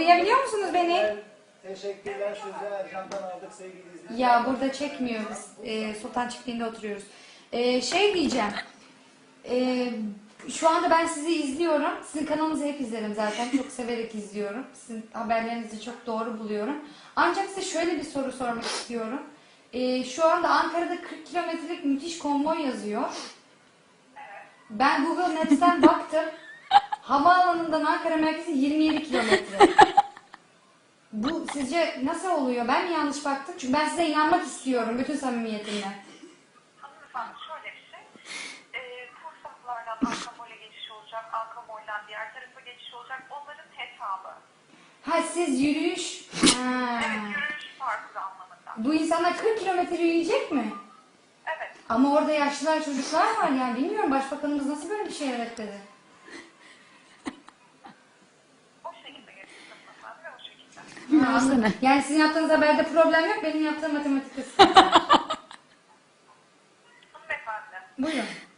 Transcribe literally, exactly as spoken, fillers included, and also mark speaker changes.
Speaker 1: Duyabiliyor musunuz beni?
Speaker 2: Teşekkürler size. Ercan'dan aldık sevgili izleyiciler.
Speaker 1: Ya burada çekmiyor biz. E, Sultan Çiftliği'nde oturuyoruz. E, şey diyeceğim. E, şu anda ben sizi izliyorum. Sizin kanalınızı hep izlerim zaten. Çok severek izliyorum. Sizin haberlerinizi çok doğru buluyorum. Ancak size şöyle bir soru sormak istiyorum. E, şu anda Ankara'da kırk kilometrelik müthiş konvoy yazıyor. Ben Google Maps'ten baktım. Havaalanından Ankara merkezi yirmi yedi kilometre. Bu sizce nasıl oluyor? Ben mi yanlış baktım? Çünkü ben size inanmak istiyorum bütün samimiyetimle.
Speaker 3: Hanımefendi şöyle bir şey. Ee, Kursaklardan Ankamol'e geçiş olacak, Ankamol'den diğer tarafa geçiş olacak. Onların hesabı.
Speaker 1: Ha siz yürüyüş... Ha.
Speaker 3: Evet, yürüyüş parkuru anlamında.
Speaker 1: Bu insanlar kırk kilometre yürüyecek mi?
Speaker 3: Evet.
Speaker 1: Ama orada yaşlılar, çocuklar var yani bilmiyorum başbakanımız nasıl böyle bir şey öğretti.
Speaker 3: O şekilde geçeceğiz hanımefendi ve o şekilde.
Speaker 1: Ha, anladım. Yani sizin yaptığınız haberde problem yok, benim yaptığım matematikte sıkıntı.
Speaker 3: Hanımefendi.
Speaker 1: Buyurun.